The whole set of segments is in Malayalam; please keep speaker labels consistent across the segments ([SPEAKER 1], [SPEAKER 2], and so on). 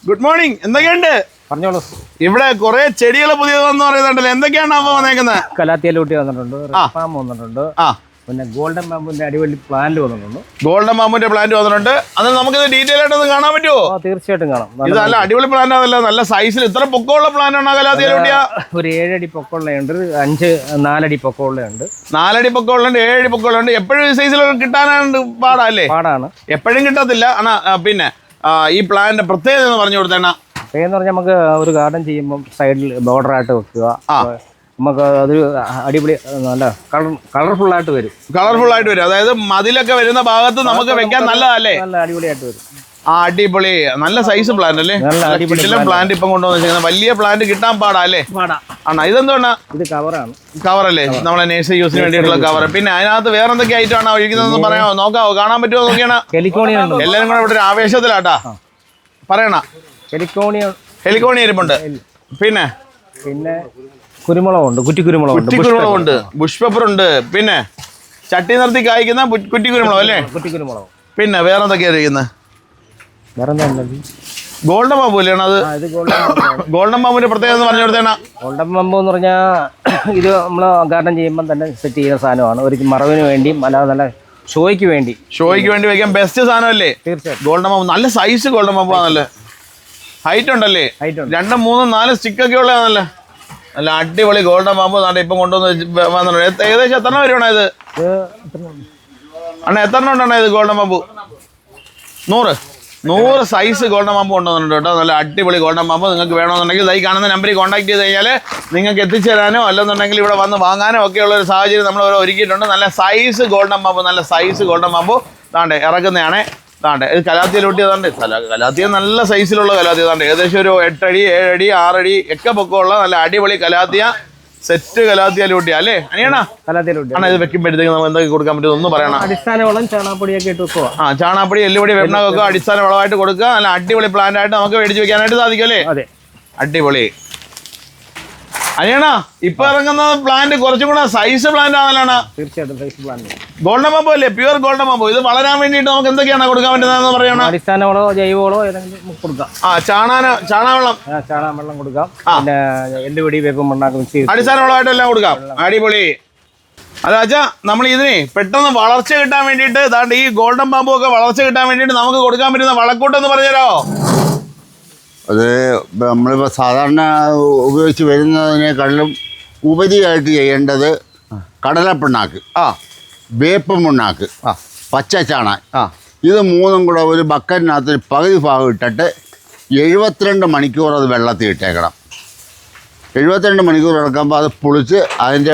[SPEAKER 1] Good morning. എന്തൊക്കെയുണ്ട്?
[SPEAKER 2] പറഞ്ഞോളൂ.
[SPEAKER 1] ഇവിടെ കുറെ ചെടികൾ പുതിയത് വന്ന് പറയുന്നുണ്ടല്ലോ, എന്തൊക്കെയാണ് അപ്പൊ വന്നേക്കുന്നത്?
[SPEAKER 2] കലാത്തിയലൂട്ടി വന്നിട്ടുണ്ട്, റെഡ് വന്നിട്ടുണ്ട്, പിന്നെ ഗോൾഡൻ ബാമ്പുവിന്റെ അടിപൊളി പ്ലാന്റ് വന്നിട്ടുണ്ട്.
[SPEAKER 1] ഗോൾഡൻ ബാമ്പുവിന്റെ പ്ലാന്റ് വന്നിട്ടുണ്ട്. അത് നമുക്കിത് ഡീറ്റെയിൽ ആയിട്ട് ഒന്ന് കാണാൻ പറ്റുമോ?
[SPEAKER 2] തീർച്ചയായിട്ടും കാണാം.
[SPEAKER 1] ഇത് നല്ല അടിപൊളി പ്ലാന്റ് ആണല്ലോ, നല്ല സൈസിൽ. ഇത്ര പൊക്കമുള്ള പ്ലാന്റ് ആണോ കലാത്തിയലൂട്ടിയ?
[SPEAKER 2] ഒരു 7 അടി പൊക്കമുള്ളതുണ്ട്, 4 അടി പൊക്കമുള്ളതുണ്ട്.
[SPEAKER 1] 4 അടി പൊക്കമുള്ളുണ്ട്, 7 അടി പൊക്കമുള്ളുണ്ട്. എപ്പോഴും ഈ സൈസിൽ കിട്ടാനാണ് പാടല്ലേ?
[SPEAKER 2] പാടാണ്,
[SPEAKER 1] എപ്പോഴും കിട്ടത്തില്ല. പിന്നെ ഈ പ്ലാന്റ് പ്രത്യേകത എന്ന് പറഞ്ഞു കൊടുത്തേണ
[SPEAKER 2] എന്ന് പറഞ്ഞാൽ നമുക്ക് ഒരു ഗാർഡൻ ചെയ്യുമ്പോൾ സൈഡിൽ ബോർഡർ ആയിട്ട് വെക്കുക. നമുക്ക് അതൊരു അടിപൊളി നല്ല കളർഫുൾ ആയിട്ട് വരും.
[SPEAKER 1] കളർഫുൾ ആയിട്ട് വരും. അതായത് മതിലൊക്കെ വരുന്ന ഭാഗത്ത് നമുക്ക് വെക്കാൻ നല്ലതല്ലേ?
[SPEAKER 2] നല്ല അടിപൊളിയായിട്ട് വരും.
[SPEAKER 1] അടിപൊളി, നല്ല സൈസ് പ്ലാന്റ് അല്ലേ? പ്ലാന്റ് ഇപ്പം കൊണ്ടുവന്നിരിക്കുന്നത് വലിയ പ്ലാന്റ് കിട്ടാൻ പാടാ അല്ലേ? ആണോ? ഇതെന്താണ്?
[SPEAKER 2] ഇത് കവറാണ്.
[SPEAKER 1] കവറല്ലേ, നമ്മളെ നേഴ്സറി യൂസിന് വേണ്ടിയിട്ടുള്ള കവർ. പിന്നെ അതിനകത്ത് വേറെ എന്തൊക്കെ ഐറ്റം ആണ് ഒഴിക്കുന്നതെന്ന് പറയാമോ? നോക്കാവോ? കാണാൻ പറ്റുമോ നോക്കിയാണ്? എല്ലാവരും കൂടെ ഇവിടെ ഒരു ആവേശത്തിലാട്ടാ പറയണ. ഹെലിക്കോണി ഇരിപ്പുണ്ട്. പിന്നെ
[SPEAKER 2] കുരുമുളകുണ്ട്,
[SPEAKER 1] കുറ്റിക്കുരുമുളകുണ്ട്, ബുഷ് പെപ്പർ ഉണ്ട്. പിന്നെ ചട്ടി നിർത്തി കായ്ക്കുന്ന കുറ്റിക്കുരുമുളക് അല്ലേ?
[SPEAKER 2] കുറ്റിക്കുരുമുളക്.
[SPEAKER 1] പിന്നെ വേറെ എന്തൊക്കെയാ ഇരിക്കുന്നത്? ഗോൾഡൻ ബാമ്പു അല്ലേ അത്? ഗോൾഡൻ ബാമ്പുവിന്റെ പ്രത്യേകത എന്ന് പറഞ്ഞു കൊടുത്തേണ.
[SPEAKER 2] ഗോൾഡൻ ബാമ്പു എന്ന് പറഞ്ഞാൽ ഇത് നമ്മൾ ഗാർഡൻ ചെയ്യുമ്പോൾ തന്നെ സെറ്റ് ചെയ്യുന്ന സാധനമാണ്. ഒരു മറവിന് വേണ്ടിയും അല്ലാതെ നല്ല ഷോയ്ക്ക് വേണ്ടി
[SPEAKER 1] വെക്കാൻ ബെസ്റ്റ് സാധനമല്ലേ?
[SPEAKER 2] തീർച്ചയായിട്ടും.
[SPEAKER 1] ഗോൾഡൻ ബാമ്പു നല്ല സൈസ് ഗോൾഡൻ ബാമ്പു ആണല്ലേ? ഹൈറ്റ് ഉണ്ടല്ലേ? 2, 3, 4 സ്റ്റിക്കൊക്കെ ഉള്ളതാണല്ലേ? നല്ല അടിപൊളി ഗോൾഡൻ ബാമ്പു ഇപ്പം കൊണ്ടുവന്ന് ഏകദേശം എത്ര വരുവാണ് ഇത്? അണ്ണാ എത്ര ഉണ്ടെണ്ണ ഇത് golden bamboo? 100 size golden bamboo കൊണ്ടുവന്നിട്ടുണ്ട് കേട്ടോ. നല്ല അടിപൊളി ഗോൾഡൻ ബാമ്പു നിങ്ങൾക്ക് വേണമെന്നുണ്ടെങ്കിൽ ഈ കാണുന്ന നമ്പറിൽ കോൺടാക്ട് ചെയ്ത് കഴിഞ്ഞാൽ നിങ്ങൾക്ക് എത്തിച്ചു തരാനോ അല്ലെന്നുണ്ടെങ്കിൽ ഇവിടെ വന്ന് വാങ്ങാനോ ഒക്കെ ഉള്ള ഒരു സാഹചര്യം നമ്മൾ ഒരുക്കിയിട്ടുണ്ട്. നല്ല സൈസ് ഗോൾഡൻ ബാമ്പു താണ്ടെ ഇറക്കുന്നതാണ്. താണ്ടെ ഇത് കലാത്തിയലൂട്ടി. അതാണ്ട് കലാത്തിയ നല്ല സൈസിലുള്ള കലാത്തിയ. താണ്ടെ ഏകദേശം ഒരു 8 അടി 7 അടി 6 അടി ഒക്കെ പൊക്കമുള്ള നല്ല അടിപൊളി കലാത്തിയ സെറ്റ് കലാത്തിയലൂട്ടി അല്ലേ? അനിയണ ആണ്. ഇത് വെക്കുമ്പോഴത്തേക്ക് നമുക്ക് എന്തൊക്കെ കൊടുക്കാൻ പറ്റും ഒന്ന് പറയണം.
[SPEAKER 2] അടിസ്ഥാന വളം ചാണകപ്പൊടിയൊക്കെ ഇട്ട് വെക്കുക.
[SPEAKER 1] ചാണകപ്പൊടി, എല്ലുപൊടി, വെണ്ണൊക്കെ അടിസ്ഥാന വളമായിട്ട് കൊടുക്കുക. നല്ല അടിപൊളി പ്ലാന്റ് ആയിട്ട് നമുക്ക് മേടിച്ച് വെക്കാനായിട്ട് സാധിക്കും അല്ലേ?
[SPEAKER 2] അതെ,
[SPEAKER 1] അടിപൊളി. അനിയണ ഇപ്പൊ ഇറങ്ങുന്ന പ്ലാന്റ് കുറച്ചും കൂടെ സൈസ് പ്ലാന്റ് ആണല്ലോ?
[SPEAKER 2] തീർച്ചയായിട്ടും സൈസ് പ്ലാന്റ്.
[SPEAKER 1] ഗോൾഡൻ ബാമ്പു അല്ലേ? Pure golden bamboo. ഇത് വളരാൻ വേണ്ടിയിട്ട് നമുക്ക് എന്തൊക്കെയാണ് കൊടുക്കാൻ പറ്റുന്നതെന്ന് പറയണം.
[SPEAKER 2] അടിസ്ഥാന വളമോ ജൈവവളോ ഏതെങ്കിലും കൊടുക്കാം. ചാണകവെള്ളം കൊടുക്കാം. പിന്നെ എല്ലുപൊടി, വേപ്പും മണ്ണാക്കും മിക്സ് ചെയ്ത്
[SPEAKER 1] അടിസ്ഥാന വളമായിട്ട് എല്ലാം കൊടുക്കാം. അടിപൊളി. അതാച്ചാ നമ്മൾ ഇതിനെ പെട്ടെന്ന് വളർച്ച കിട്ടാൻ വേണ്ടിയിട്ട് ദാണ്ട് ഈ ഗോൾഡൻ ബാമ്പു ഒക്കെ വളർച്ച കിട്ടാൻ വേണ്ടിയിട്ട് നമുക്ക് കൊടുക്കാൻ പറ്റുന്ന വളക്കൂട്ടെന്ന് പറഞ്ഞുതരാമോ?
[SPEAKER 3] അത് നമ്മളിപ്പോൾ സാധാരണ ഉപയോഗിച്ച് വരുന്നതിനേക്കാളും ഉപരിയായിട്ട് ചെയ്യേണ്ടത് കടലപ്പിണ്ണാക്ക്, വേപ്പ് പിണ്ണാക്ക്, പച്ച ചാണാൻ, ഇത് 3ഉം കൂടെ ഒരു ബക്കറ്റിനകത്ത് പകുതി ഭാഗം ഇട്ടിട്ട് 72 മണിക്കൂർ അത് വെള്ളത്തിൽ ഇട്ടേക്കണം. 72 മണിക്കൂർ ഇറക്കുമ്പോൾ അത് പൊളിച്ച് അതിൻ്റെ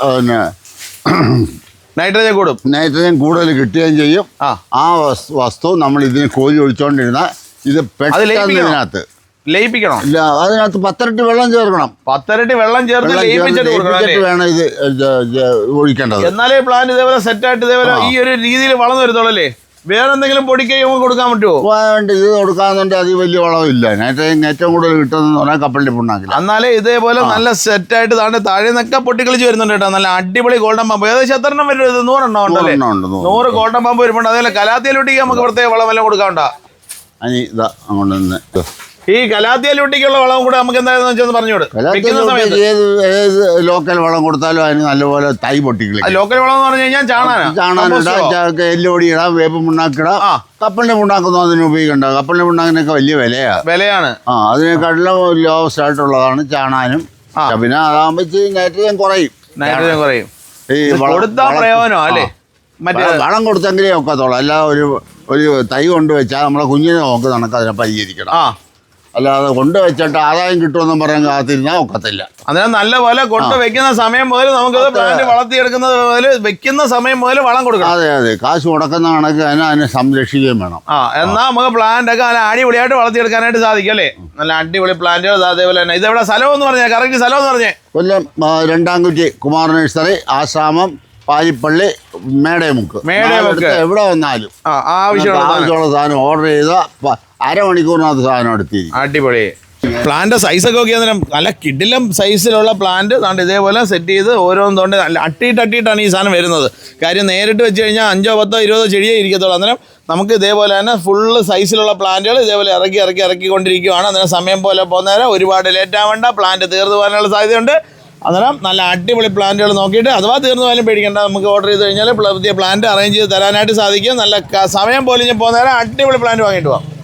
[SPEAKER 3] നൈട്രജൻ കൂടുതൽ കിട്ടുകയും ചെയ്യും. ആ വസ്തു നമ്മൾ ഇതിന് കോരി ഒഴിച്ചുകൊണ്ടിരുന്നാൽ ഇത് പെട്ടെന്ന് ഇതിനകത്ത്
[SPEAKER 1] ലയിപ്പിക്കണം.
[SPEAKER 3] ഇല്ല, അതിനകത്ത് 10 ഇരട്ടി വെള്ളം ചേർക്കണം.
[SPEAKER 1] 10 ഇരട്ടി വെള്ളം ചേർത്ത്
[SPEAKER 3] ലയിപ്പിച്ചിട്ട് വേണം ഇത് ഒഴിക്കേണ്ടത്.
[SPEAKER 1] എന്നാലേ പ്ലാന്റ് ഇതേപോലെ സെറ്റായിട്ട് ഇതേപോലെ ഈ ഒരു രീതിയിൽ വളർന്നു വരുത്തോളല്ലേ? വേറെ എന്തെങ്കിലും പൊടിക്കൈ കൊടുക്കാൻ പറ്റുമോ?
[SPEAKER 3] ഇത് കൊടുക്കാന്നുണ്ടെങ്കിൽ അത് വലിയ വളമില്ല. ഏറ്റവും കൂടുതൽ കിട്ടുന്ന പറഞ്ഞാൽ കപ്പലിന്റെ പിണ്ണാക്കില്ല.
[SPEAKER 1] എന്നാലേ ഇതേപോലെ നല്ല സെറ്റായിട്ട് താഴെ നിന്നൊക്കെ പൊട്ടിക്കളിച്ച് വരുന്നുണ്ട് കേട്ടോ. നല്ല അടിപൊളി ഗോൾഡൻ ബാമ്പ്. ഏകദേശം എത്ര എണ്ണം വരും? 100 എണ്ണം ഉണ്ടല്ലേ? 100 ഗോൾഡൻ ബാമ്പ് വരുമ്പോൾ അതേപോലെ കലാത്തിയലൂട്ടിക്ക് നമുക്ക് പ്രത്യേക വളമെല്ലാം കൊടുക്കാനുണ്ടോ?
[SPEAKER 3] അനി ഇതാ അങ്ങോട്ട് നിന്ന്
[SPEAKER 1] ഈ കലാത്തിയലൂട്ടിക്കുള്ള വളം കൂടെ നമുക്ക് എന്താണെന്ന് വെച്ചാൽ പറഞ്ഞോട്.
[SPEAKER 3] ഏത് ലോക്കൽ വളം കൊടുത്താലും അതിന് നല്ലപോലെ തൈ പൊട്ടിക്കളി.
[SPEAKER 1] ലോക്കൽ വളം എന്ന് പറഞ്ഞു കഴിഞ്ഞാൽ
[SPEAKER 3] ചാണകം, എല്ലുപൊടി ഇടാം, വേപ്പ് പിണ്ണാക്കിടാം. കപ്പലിന്റെ പിണ്ണാക്കൊന്നും അതിന് ഉപയോഗിക്കണ്ട. കപ്പലിന്റെ പിണ്ണാക്കിനൊക്കെ വലിയ വിലയാണ്. അതിനെക്കാട്ടിലും ലോവസ്റ്റ് ആയിട്ടുള്ളതാണ് ചാണാനും. പിന്നെ അതാകുമ്പോ നൈട്രജൻ കുറയും.
[SPEAKER 1] ഈ പ്രയോജനം അല്ലേ?
[SPEAKER 3] വളം കൊടുത്തെങ്കിലേ ഒക്കത്തുള്ളൂ. അല്ല ഒരു തൈ കൊണ്ടുവച്ചാൽ നമ്മളെ കുഞ്ഞിനെ നോക്ക് നമുക്ക് അതിനെ പരിഹരിക്കണം. അല്ലാതെ കൊണ്ടുവച്ചിട്ട് ആദായം കിട്ടുമെന്നും പറയാൻ കാത്തിരുന്നാൽ ഒക്കത്തില്ല.
[SPEAKER 1] അതിനാൽ നല്ലപോലെ കൊണ്ടുവയ്ക്കുന്ന സമയം മുതൽ നമുക്കത് പ്ലാന്റ് വളർത്തിയെടുക്കുന്നത് മുതൽ വെക്കുന്ന സമയം മുതൽ വളം കൊടുക്കണം.
[SPEAKER 3] അതെ, കാശ് മുടക്കുന്ന കണക്ക് അതിനെ സംരക്ഷിക്കുകയും വേണം.
[SPEAKER 1] എന്നാൽ നമുക്ക് പ്ലാന്റ് ഒക്കെ നല്ല അടിപൊളിയായിട്ട് വളർത്തിയെടുക്കാനായിട്ട് സാധിക്കും അല്ലേ? നല്ല അടിപൊളി പ്ലാന്റുകൾ. അതേപോലെ തന്നെ ഇതെവിടെ സ്ഥലം എന്ന് പറഞ്ഞേ? കറക്റ്റ് സ്ഥലം എന്ന് പറഞ്ഞേ?
[SPEAKER 3] കൊല്ലം 2-കുറ്റി കുമാർ നഴ്സറി, ആശ്രാമം, പാരിപ്പള്ളി, മേടേമുക്ക്. എവിടെ വന്നാലും ആവശ്യമുള്ള സാധനം ഓർഡർ ചെയ്ത അരമണിക്കൂറിനകത്ത് സാധനം എടുത്തിരിക്കും.
[SPEAKER 1] അടിപൊളി. പ്ലാന്റ് സൈസൊക്കെ നോക്കിയാൽ നല്ല കിടിലം സൈസിലുള്ള പ്ലാന്റ് അതുകൊണ്ട് ഇതേപോലെ സെറ്റ് ചെയ്ത് ഓരോന്നും തൊണ്ട് നല്ല അട്ടിയിട്ടാണ് ഈ സാധനം വരുന്നത്. കാര്യം നേരിട്ട് വെച്ച് കഴിഞ്ഞാൽ 5, 10, 20 ചെടിയേ ഇരിക്കത്തുള്ളൂ. അന്നേരം നമുക്ക് ഇതേപോലെ തന്നെ ഫുള്ള് സൈസിലുള്ള പ്ലാന്റുകൾ ഇതേപോലെ ഇറക്കിക്കൊണ്ടിരിക്കുകയാണ്. അന്നേരം സമയം പോലെ പോകുന്നേരം ഒരുപാട് ലേറ്റ് ആവേണ്ട, പ്ലാന്റ് തീർന്നു പോകാനുള്ള സാധ്യതയുണ്ട്. അന്നേരം നല്ല അടിപൊളി പ്ലാന്റുകൾ നോക്കിയിട്ട് അഥവാ തീർന്നു പോയാലും പേടിക്കേണ്ട, നമുക്ക് ഓർഡർ ചെയ്ത് കഴിഞ്ഞാൽ പുതിയ പ്ലാന്റ് അറേഞ്ച് ചെയ്ത് തരാനായിട്ട് സാധിക്കും. നല്ല സമയം പോലെ പോകുന്നേരം അടിപൊളി പ്ലാന്റ് വാങ്ങിയിട്ട് പോകാം.